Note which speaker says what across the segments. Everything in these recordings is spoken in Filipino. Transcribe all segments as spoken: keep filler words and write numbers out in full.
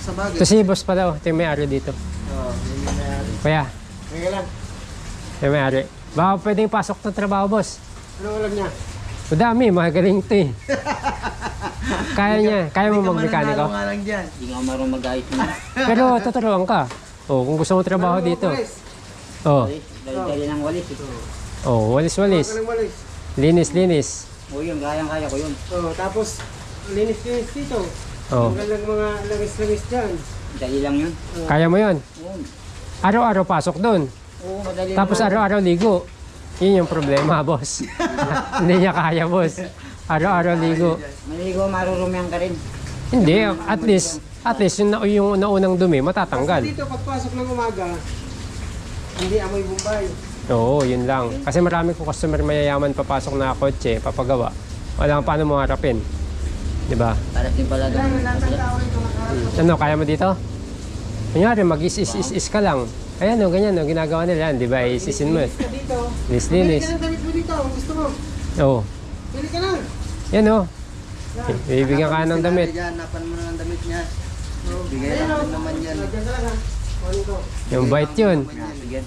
Speaker 1: sa bagay.
Speaker 2: Ito si boss pala, oh. Ito yung may-ari dito.
Speaker 1: Oo, yun yung may-ari.
Speaker 2: Kaya,
Speaker 1: Kaya lang.
Speaker 2: ito yung may-ari. Baka pwedeng pasok ng trabaho, boss.
Speaker 1: Ano alam niya?
Speaker 2: Madami, magaling ito eh. Kaya niya, kaya mo mag-mekaniko.
Speaker 1: Hindi ka lang dyan.
Speaker 3: Hindi nga marunong mag-ayos mo.
Speaker 2: Pero tuturuan ka. Oh, kung gusto mo trabaho dito. Oh,
Speaker 3: Walis. Dali-dali ng walis. Ito.
Speaker 2: oh, walis-walis.
Speaker 1: Walis. Walis.
Speaker 2: Linis-linis.
Speaker 3: O yun, kayang-kaya ko yun.
Speaker 1: Oo, tapos linis-linis dito.
Speaker 2: Oh,
Speaker 1: Magalang mga langis-langis dyan.
Speaker 3: Dali lang yun.
Speaker 2: kaya mo yun.
Speaker 3: Oo,
Speaker 2: Araw-araw pasok doon.
Speaker 3: Oo, madali
Speaker 2: Tapos
Speaker 3: naman.
Speaker 2: araw-araw ligo. Yun yung problema, boss. Hindi niya kaya, boss. Araw-araw ligo.
Speaker 3: Maligo, marurumihan ka rin.
Speaker 2: Hindi, at least, at least yung, na- yung naunang dumi, matatanggal.
Speaker 1: Kasi dito, pagpasok ng umaga, hindi amoy Bombay.
Speaker 2: Oo, yun lang. Kasi marami ko customer mayayaman papasok na kotse, papagawa. Wala kang paano mo harapin. Di ba?
Speaker 3: Para din pala doon.
Speaker 1: Kailangan lahat ng tao ito nakaharap.
Speaker 2: Ano, kaya mo dito? Kunyari, mag-is-is-is ka lang. Ayan o, ganyan o, ginagawa nila yan. Di ba, isisin mo.
Speaker 1: Linis ka dito. Pili
Speaker 2: Linis-linis.
Speaker 1: ka ng damit mo dito, kung gusto mo.
Speaker 2: Oo.
Speaker 1: Pili ka na.
Speaker 2: Yan o. Bibigyan ka ng damit.
Speaker 1: Hanapan mo na ng damit niya. Bigay
Speaker 2: oh.
Speaker 1: lang naman yan. Diyan ka lang ha. Kunin ko.
Speaker 2: Yung bite yun.
Speaker 3: Sige.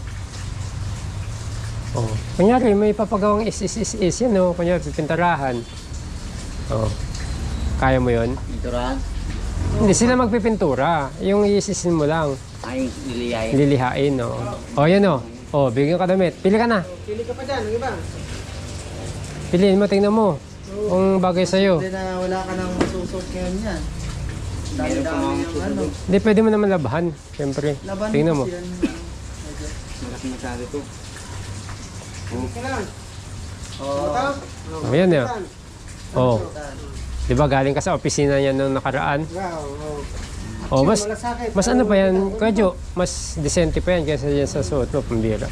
Speaker 2: Oh. Kunyari, may papagawang is-is-is-is. Yan o, kunyari, pipintarahan. Oh. Kaya mo yun?
Speaker 3: Iturahan.
Speaker 2: Hindi sila magpipintura. Yung isisin mo lang.
Speaker 3: Ay, niliyayin.
Speaker 2: Lilihain, o. O, yan o. O, bigyan ka damit. Pili ka na.
Speaker 1: Pili ka pa dyan, ang iba.
Speaker 2: Piliin mo, tingnan mo. Kung bagay sa'yo.
Speaker 1: Hindi na wala ka nang masusot ngayon yan.
Speaker 3: Meron pa
Speaker 1: Dami-dami
Speaker 3: nga
Speaker 1: yung ano.
Speaker 2: Hindi, pwede mo naman labahan. Siyempre.
Speaker 1: Laban
Speaker 2: Tingnan mo.
Speaker 1: kasi yan.
Speaker 3: Malaki masyado to.
Speaker 1: Pili ka lang.
Speaker 3: Oo.
Speaker 1: Ito.
Speaker 2: O, yan o. O.
Speaker 1: Tan.
Speaker 2: Di ba galing ka sa opisina niya nung nakaraan?
Speaker 1: Wow, wow.
Speaker 2: O, mas,
Speaker 1: Malasakit.
Speaker 2: mas ano pa yan? Kuya Jo, mas decente pa yan kaysa yan sa suot mo, pambira.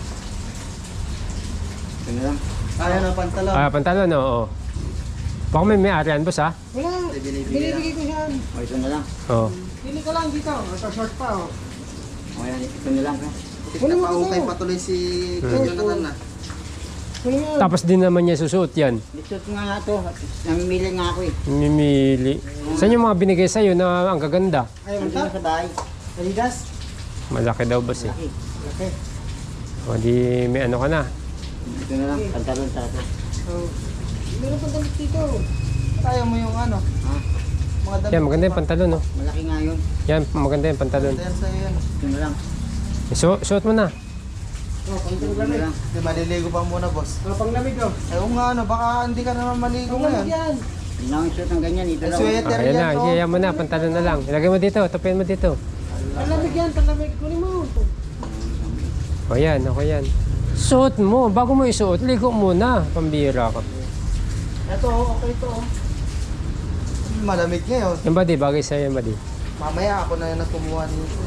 Speaker 3: Ito na lang.
Speaker 1: Kaya na pantalon.
Speaker 2: Ah, pantalon, oo. Baka may may-ari yan, boss, ha?
Speaker 1: Wala.
Speaker 3: Binibigay
Speaker 1: Binibigay ko yan.
Speaker 3: O, ito na lang.
Speaker 2: Oo.
Speaker 1: Pili ka lang dito. Ito short pa oh.
Speaker 3: O, yan. Ito na lang. ha?
Speaker 1: Wala pa ukay patuloy si Jonathan na.
Speaker 2: Tapos din naman niya susuot yan.
Speaker 3: Lisot nga nga to. Namimili nga ako eh.
Speaker 2: Mimili. Saan yung mga binigay sa'yo na ang gaganda?
Speaker 1: Ayaw mo
Speaker 3: Nandun na sa bahay.
Speaker 1: Adidas?
Speaker 2: Malaki daw, boss, eh.
Speaker 3: Laki.
Speaker 1: Okay.
Speaker 2: O, di may ano ka na.
Speaker 3: Ito na lang. Pantalon sa ito.
Speaker 1: Oh. Meron pang damit dito. Ayaw mo yung ano?
Speaker 3: Ha?
Speaker 1: Mga damit.
Speaker 2: Yan, maganda yung pantalon, no?
Speaker 3: Malaki nga yun.
Speaker 2: Yan, maganda yung pantalon.
Speaker 1: Yan sa'yo yan.
Speaker 3: Ito na lang.
Speaker 2: So, suot mo na.
Speaker 1: Oh, pang
Speaker 3: Ito na
Speaker 1: lamig.
Speaker 3: lang.
Speaker 1: Di maliligo pa muna boss. Oh, pang lamig oh. Ayaw nga ano, baka hindi ka naman maligo ngayon.
Speaker 3: Hindi na akong shoot ng ganyan. Ito
Speaker 1: Ay,
Speaker 3: lang.
Speaker 1: sweater.
Speaker 2: Ah, yan na, iyan mo na, pantalon na lang. Ilagay mo dito, tupin mo dito.
Speaker 1: Pang lamig yan, pang lamig. Kunin mo.
Speaker 2: O yan, ako yan. Suot mo, bago mo isuot, ligo muna. Pambira ka.
Speaker 1: Ito oh, okay to oh. Malamig ngayon.
Speaker 2: Yung body, bagay sa'yo yung body.
Speaker 1: Mamaya ako na yung nakumuha nito.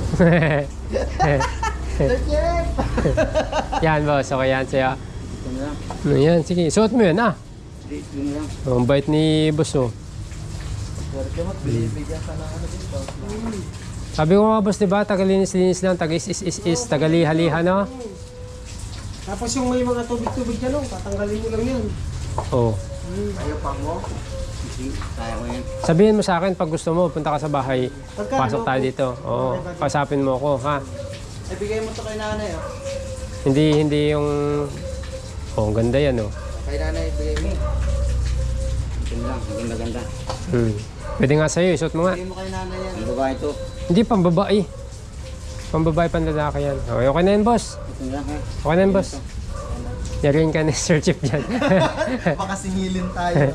Speaker 1: Sir Jeff!
Speaker 2: Yan, boss, okay yan sa'yo.
Speaker 3: Ito na lang.
Speaker 2: Ano yan, sige, suot mo yan, ah.
Speaker 3: Ito na lang.
Speaker 2: Oh, ang bait ni boss, oh.
Speaker 1: Sir Jeff, binibigyan ka ng ano dito.
Speaker 2: Sabi ko nga, boss, diba, tagalinis-linis lang, tag-is-is-is, tagali-haliha, no?
Speaker 1: Tapos yung may mga tubig-tubig dyan oh, tatanggalin mo lang yan.
Speaker 2: Oh.
Speaker 1: Ayaw pa mo?
Speaker 3: Sige, kaya ko yan.
Speaker 2: Sabihin mo sa akin, pag gusto mo, punta ka sa bahay,
Speaker 1: Pagka,
Speaker 2: pasok tayo dito. Oo, pasapin mo ako, ha?
Speaker 1: Ibigay mo to kay nanay oh.
Speaker 2: Hindi, hindi yung... Oh, ang ganda yan, oh.
Speaker 1: Kay nanay, ibigay mo.
Speaker 3: Ito na lang. Hindi maganda.
Speaker 2: Hmm. Pwede nga sa'yo, isuot mo nga.
Speaker 1: Ibigay mo kay nanay yan.
Speaker 3: Ang babae ito.
Speaker 2: Hindi, pambabae. Pambabae, panlalaki yan. Okay, okay na yan, boss.
Speaker 3: Ito na lang ha.
Speaker 2: Okay na yan, boss. Yarin ka ni Sir Chief dyan.
Speaker 1: Baka singilin tayo.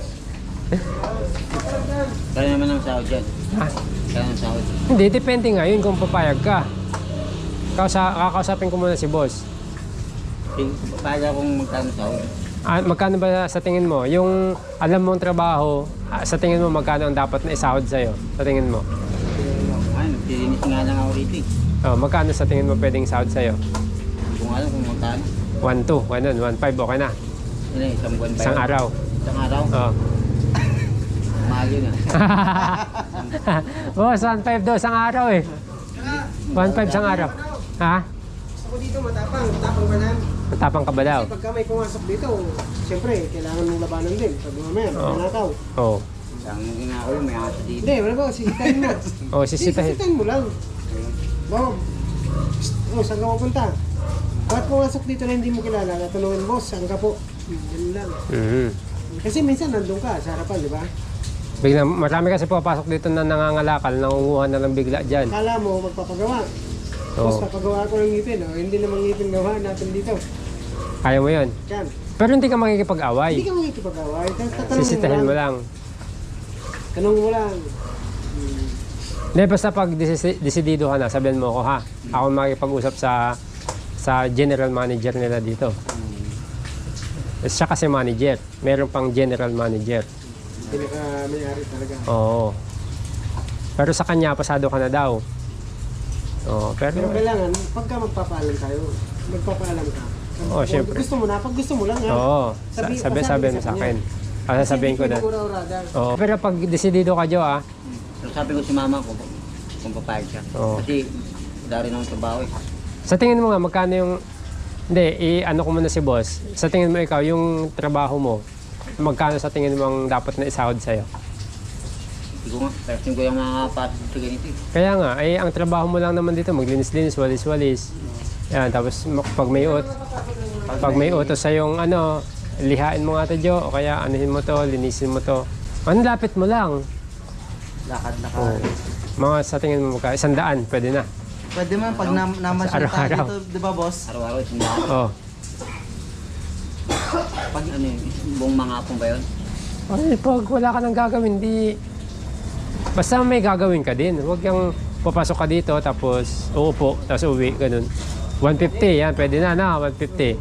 Speaker 3: Kaya naman ang sahod dyan.
Speaker 2: Ha?
Speaker 3: Kaya ang sahod.
Speaker 2: Hindi, depende nga yun kung papayag ka. Kausa, kakausapin ko muna si boss.
Speaker 3: Sige, Pala akong magkano sahod.
Speaker 2: Ah, magkano ba sa tingin mo? Yung alam mong trabaho, ah, sa tingin mo magkano ang dapat na isahod sa'yo? Sa tingin mo?
Speaker 3: Ay, nagtirinis nga lang ako rito eh.
Speaker 2: Oh, magkano sa tingin mo pwedeng sahod sa'yo?
Speaker 3: Hindi ko nga alam kung magkano.
Speaker 2: one two, ganun, one five, okay na.
Speaker 3: Yun eh, isang buwan pa
Speaker 2: Isang
Speaker 3: yun.
Speaker 2: araw.
Speaker 3: Isang araw?
Speaker 2: Oh.
Speaker 3: Mahal yun ah.
Speaker 2: Boss, one five daw isang araw eh. one five isang araw. Ha?
Speaker 1: Ako dito matapang, matapang ba na?
Speaker 2: Matapang ka ba daw?
Speaker 1: Kasi pagka may pumasok dito, siyempre, kailangan mong labanan din. Pag mamaya,
Speaker 2: Oo.
Speaker 1: manakaw.
Speaker 2: Oo.
Speaker 3: Ang ginagawa ko, may aso dito.
Speaker 4: Hindi, wala ba? Sisitahin mo.
Speaker 2: O, sisitahin.
Speaker 4: Sisitahin mo lang. Bob, oh, saan ka pupunta? Bakit pumasok dito na hindi mo kilala? Natanungin, boss, saan ka po? Yan lang.
Speaker 2: Mhm.
Speaker 4: Kasi minsan nandun ka sa harapan, di ba?
Speaker 2: Bigla, marami kasi pupasok dito na nangangalakal, nangunguha na lang bigla dyan.
Speaker 4: Kala mo magpapagawa.
Speaker 2: Oo.
Speaker 4: Boss, papagawa ko ng ngipin. Oh. Hindi naman ngipin gawa natin dito.
Speaker 2: Kaya mo yun.
Speaker 4: Yan.
Speaker 2: Pero hindi ka makikipag-away.
Speaker 4: Hindi ka makikipag-away. Tatanungin
Speaker 2: Sisitahin mo lang.
Speaker 4: Tanong mo lang. Hmm.
Speaker 2: Hindi, basta pag desi- desidido ka na, sabihan mo ako ha. Ako makikipag-usap sa sa general manager nila dito. Siya kasi manager. Meron pang general manager.
Speaker 4: Pinaka-mayari talaga.
Speaker 2: Oo. Pero sa kanya, pasado ka na daw. Oo, pero...
Speaker 4: Pero kailangan, pagka magpapaalam tayo, magpapaalam ka.
Speaker 2: Oo,
Speaker 4: Kung
Speaker 2: syempre.
Speaker 4: Gusto mo na, pag gusto mo lang ha.
Speaker 2: Oo,
Speaker 4: Sabi-
Speaker 2: sabi,
Speaker 4: pasabi
Speaker 2: sabi
Speaker 4: sa
Speaker 2: mo sa
Speaker 4: kanya.
Speaker 2: akin. Ah, sasabihin ko na.
Speaker 4: Kasi hindi ura-urada.
Speaker 2: Oo. Pero pag desidido ka, Jo, ah.
Speaker 3: So sabi ko si mama ko, kung papayag siya.
Speaker 2: Oo.
Speaker 3: Kasi wala rin akong trabaho eh.
Speaker 2: Sa tingin mo nga, magkano yung... Hindi, i-ano ko muna si boss. Sa tingin mo ikaw, yung trabaho mo, magkano sa tingin mo ang dapat na isahod sa'yo?
Speaker 3: Hindi ko nga, pero ko yung makakapasok sa ganito eh.
Speaker 2: Kaya nga, eh, ang trabaho mo lang naman dito, maglinis-linis, walis-walis. Yan, tapos mak- pag may ut, pag may utos sa yung ano, lihain mo nga ito, Jo, o kaya anuhin mo to, linisin mo to. Ano, lapit mo lang.
Speaker 1: Lakad-lakad.
Speaker 2: Oo. Mga sa tingin mo magka, isang daan, pwede na.
Speaker 1: Pwede man pag nam namasyal tayo
Speaker 2: Araw-araw.
Speaker 1: dito, di ba boss?
Speaker 3: Araw-araw, sundaan.
Speaker 2: Oo.
Speaker 3: Pag ano yun, buong mga apong ba yun?
Speaker 2: Ay, pag wala ka nang gagawin, di... Basta may gagawin ka din. Huwag yung papasok ka dito, tapos uupo, tapos uwi, ganun. one fifty, yan, pwede na na, one fifty.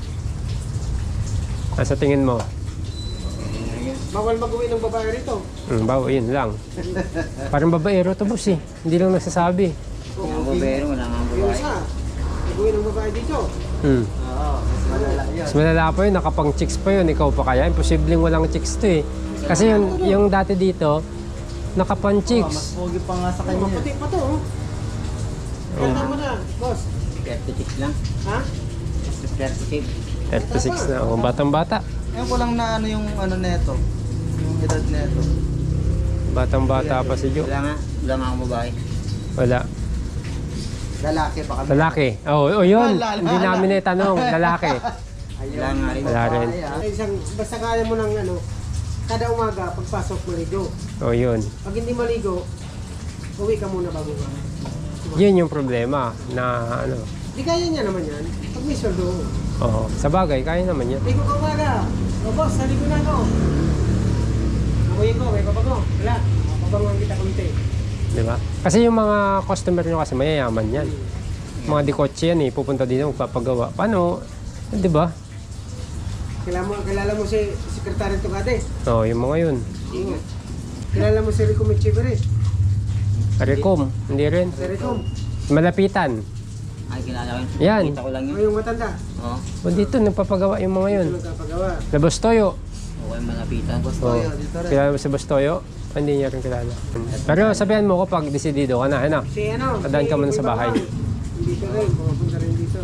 Speaker 2: Ah, sa tingin mo?
Speaker 4: Bawal mag-uwi ng babae rito.
Speaker 2: Hmm, bawa, yun lang. Parang babaero to, boss eh. Hindi lang nagsasabi.
Speaker 3: Wala ang bobero, wala nga ang
Speaker 4: Yung
Speaker 3: babae.
Speaker 4: isa, mag-uwi ng babae dito.
Speaker 2: Hmm.
Speaker 1: Oo, mas malala yun.
Speaker 2: Mas malala pa yun, nakapang chicks pa yun. Ikaw pa kaya? Imposibleng walang chicks to eh. Kasi yung, yung dati dito, nakapang
Speaker 1: Oh, mas
Speaker 2: chicks.
Speaker 1: pogi pa nga sa kanya.
Speaker 4: Maputi pa to. Oh. Kanta mo na, boss.
Speaker 3: thirty-six lang.
Speaker 4: Ha?
Speaker 3: thirty-six.
Speaker 2: thirty-six na, oh, batang-bata.
Speaker 1: Ngayon ko lang na ano yung ano neto. Yung edad neto.
Speaker 2: Batang-bata pa si Jo.
Speaker 3: Wala nga, wala nga akong babae.
Speaker 2: Wala.
Speaker 1: Lalaki pa kami.
Speaker 2: Lalaki. Oh, oh yun.
Speaker 1: Wala,
Speaker 2: Hindi
Speaker 1: wala.
Speaker 2: namin na itanong. Lalaki.
Speaker 3: Wala nga rin.
Speaker 2: Wala rin.
Speaker 1: Ay, ah.
Speaker 4: Ay, isang, basta kaya mo ng ano, kada umaga, pagpasok maligo.
Speaker 2: Oh, yun.
Speaker 4: Pag hindi maligo, uwi ka muna bago ka.
Speaker 2: Yun yung problema na ano.
Speaker 4: Di kaya niya naman yan. Pag may sweldo.
Speaker 2: Oo. Sa bagay, kaya naman yan.
Speaker 4: Ligo ka umaga. O boss, naligo na ako. Amoyin ko, may papago. Wala. Papabangon kita kunti.
Speaker 2: Di ba? Kasi yung mga customer nyo kasi mayayaman yan. Mga dikotse yan eh. Pupunta dito magpapagawa. Paano? Di ba?
Speaker 4: Kilala mo, kilala mo si Sekretary Tugade.
Speaker 2: Oo, yung mga yun.
Speaker 4: Oo. Kilala mo si Rico Michibere.
Speaker 2: Recom. Hindi rin.
Speaker 4: Si Rico.
Speaker 2: Malapitan.
Speaker 3: Ay, kilala ko yun.
Speaker 2: Yan.
Speaker 3: Kita ko lang
Speaker 4: O
Speaker 3: yun.
Speaker 4: yung matanda.
Speaker 3: Oo.
Speaker 2: O dito, nagpapagawa yung mga yun.
Speaker 4: Ito nagkapagawa.
Speaker 2: Labos Toyo.
Speaker 3: Okay, malapitan.
Speaker 1: Boss
Speaker 2: Oo.
Speaker 1: Toyo, dito rin.
Speaker 2: Kilala mo si Bastoyo? Hindi niya rin kilala. Pero sabihan mo ko pag desidido ka na, ano?
Speaker 4: Si ano?
Speaker 2: Padaan
Speaker 4: si
Speaker 2: ka muna sa
Speaker 4: Boy
Speaker 2: bahay.
Speaker 4: Bawang. Dito rin. Pupunta rin dito.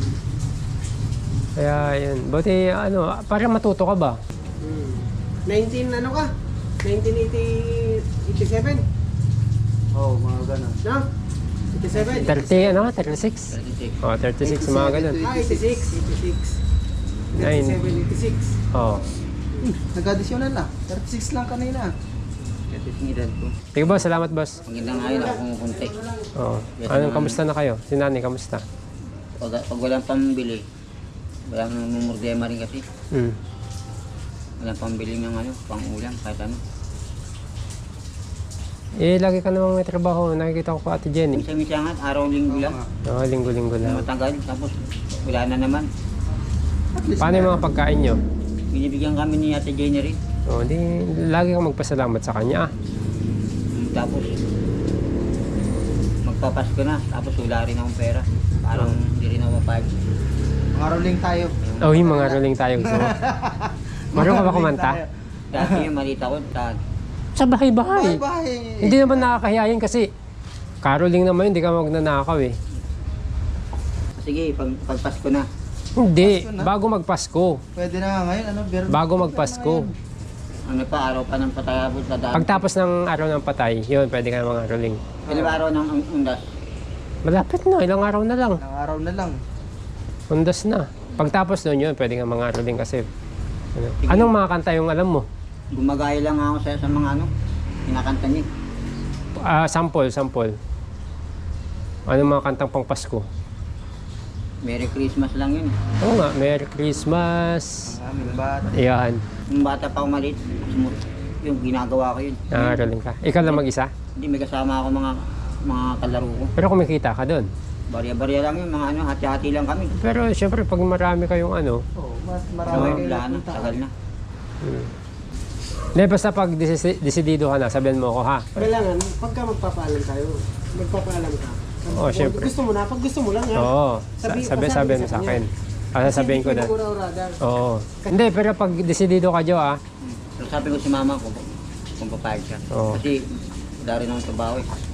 Speaker 2: Kaya yun. Buti ano, para matuto ka ba?
Speaker 4: Hmm. nineteen ano ka? nineteen eighty-seven?
Speaker 1: Oo, mga ganun.
Speaker 4: No? eighty-seven?
Speaker 2: thirty, ano? thirty-six?
Speaker 3: thirty-six.
Speaker 2: Oh, thirty-six, mga ganun.
Speaker 4: Ah, eighty-six. eighty-six.
Speaker 2: Nine.
Speaker 4: eighty-seven, eighty-six.
Speaker 2: Oh.
Speaker 1: Nag-additional na. thirty-six lang kanina.
Speaker 3: thirty-six ng edad ko.
Speaker 2: Sige boss, salamat boss.
Speaker 3: Maganda nga yun ako kumukunti.
Speaker 2: Oh. Anong, kamusta na kayo? Si Nani, kamusta?
Speaker 3: Pag, pag walang pambili, walang mumurdema rin kasi.
Speaker 2: Hmm.
Speaker 3: Walang pambili ng ano, pang ulam, kahit ano.
Speaker 2: Eh, lagi ka namang may trabaho. Nakikita ko pa Ate Jenny.
Speaker 3: Minsan-minsan nga, araw-linggo lang.
Speaker 2: Oo, linggo-linggo lang.
Speaker 3: Matagal, tapos wala na naman.
Speaker 1: At least
Speaker 2: Paano yung mga pagkain nyo?
Speaker 3: Binibigyan kami ni Ate Jenny rin.
Speaker 2: Oh, di, lagi kang magpasalamat sa kanya. Ah.
Speaker 3: Tapos, magpapasko na, tapos wala rin akong pera. Parang hindi rin ako mapayag.
Speaker 1: mga rolling tayo.
Speaker 2: Oh, yung mga rolling tayo gusto mo. Marunong ka ba kumanta?
Speaker 3: Dati yung malita ko, ta-
Speaker 2: Sa bahay-bahay.
Speaker 1: Bye-bye.
Speaker 2: Hindi naman nakakahiya yun kasi caroling naman yun, hindi ka magnanakaw eh.
Speaker 3: sige, pag, pag Pasko na.
Speaker 2: Hindi,
Speaker 1: Pasko na?
Speaker 2: bago magpasko.
Speaker 1: Pwede na nga ngayon, ano? Pero
Speaker 2: Bago magpasko.
Speaker 3: Ano pa, araw pa ng patayabot sa daan.
Speaker 2: Pagtapos ng araw ng patay, yun, pwede ka na mga roling.
Speaker 3: Ilang araw ng un- undas.
Speaker 2: Malapit na, ilang araw na lang.
Speaker 1: Ilang araw na lang.
Speaker 2: Undas na. Pagtapos nun yun, pwede ka mga roling kasi. Ano. Anong mga kanta yung alam mo?
Speaker 3: Gumagaya lang ako sa, sa mga ano, kinakanta niya.
Speaker 2: Ah, sample, sample. Anong mga kantang pang Pasko?
Speaker 3: Merry Christmas lang yun.
Speaker 2: Oo nga, Merry Christmas.
Speaker 1: Ang aming bata.
Speaker 2: Ayan,
Speaker 3: Yung bata pa ako maliit, sumut- yung ginagawa ko yun.
Speaker 2: nangaroling ka. Ikaw lang mag-isa?
Speaker 3: Hindi, may kasama ako mga mga kalaro ko.
Speaker 2: Pero kumikita ka doon.
Speaker 3: Barya-barya lang yun, mga ano, hati-hati lang kami.
Speaker 2: Pero syempre, pag marami kayong ano,
Speaker 1: Oo, mas
Speaker 3: Ano,
Speaker 1: marami kayo
Speaker 3: wala na,
Speaker 1: napunta.
Speaker 3: tagal na.
Speaker 2: hindi, basta pag desi- desidido ka na, sabihan mo ako ha.
Speaker 4: Kailangan, pagka magpapaalam tayo, magpapaalam ka.
Speaker 2: Oo, syempre.
Speaker 4: Gusto mo na, pag gusto mo lang ha.
Speaker 2: Oo, sa-
Speaker 4: Sabi-
Speaker 2: sabi,
Speaker 4: pasabi
Speaker 2: sabi
Speaker 4: sa
Speaker 2: mo sa
Speaker 4: kanya.
Speaker 2: akin. Ah, sasabihin ko
Speaker 4: Kasi
Speaker 2: na.
Speaker 4: hindi ko ura-urada.
Speaker 2: Oo. Hindi, pero pag desidido ka, Jo, ah.
Speaker 3: Pero sabi ko si mama ko, kung papayag siya.
Speaker 2: Oo.
Speaker 3: Kasi wala rin akong trabaho eh.